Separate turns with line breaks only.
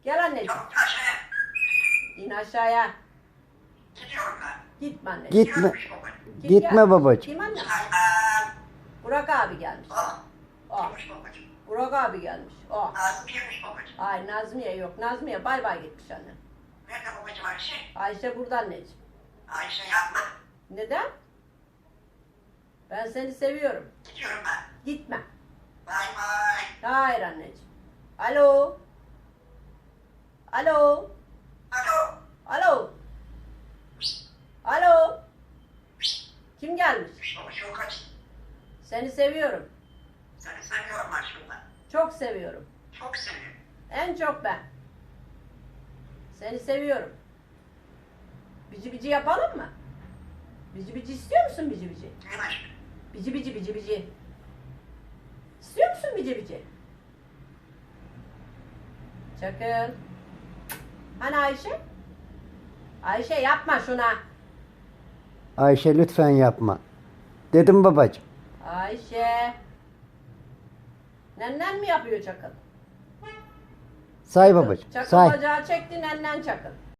Gel anneciğim.
Çabuk aşağıya.
İn aşağıya.
Gidiyorum ben.
Gitme anneciğim.
Gitme.
Gelmiş babacığım.
Kim
Gitme
geldi?
babacığım.
Kim anne?
Aa,
Burak abi gelmiş. O.
Gelmiş babacığım.
Burak abi gelmiş. O.
Nazım gelmiş babacığım.
Ay Nazmiye yok. Nazmiye bay bay gitmiş anne.
Nerede babacığım Ayşe?
Ayşe burada anneciğim.
Ayşe yapma.
Neden? Ben seni seviyorum.
Gidiyorum ben.
Gitme.
Bay bay.
Hayır anneciğim. Alo. Alo.
Alo.
Alo. Alo. Kim gelmiş?
Babacığım kaç.
Seni seviyorum.
Seni seviyorum aşkımdan.
Çok seviyorum.
Çok seviyorum.
En çok ben. Seni seviyorum. Bici bici yapalım mı? Bici bici istiyor musun bici bici?
Değil mi aşkım?
Bici bici bici bici. İstiyor musun bici bici? Çakıl. Hani Ayşe? Ayşe yapma şuna.
Ayşe lütfen yapma. Dedim babacığım.
Ayşe. Nennen mi yapıyor çakıl?
Say babacığım.
Çakıl
Say.
bacağı çekti nennen çakıl.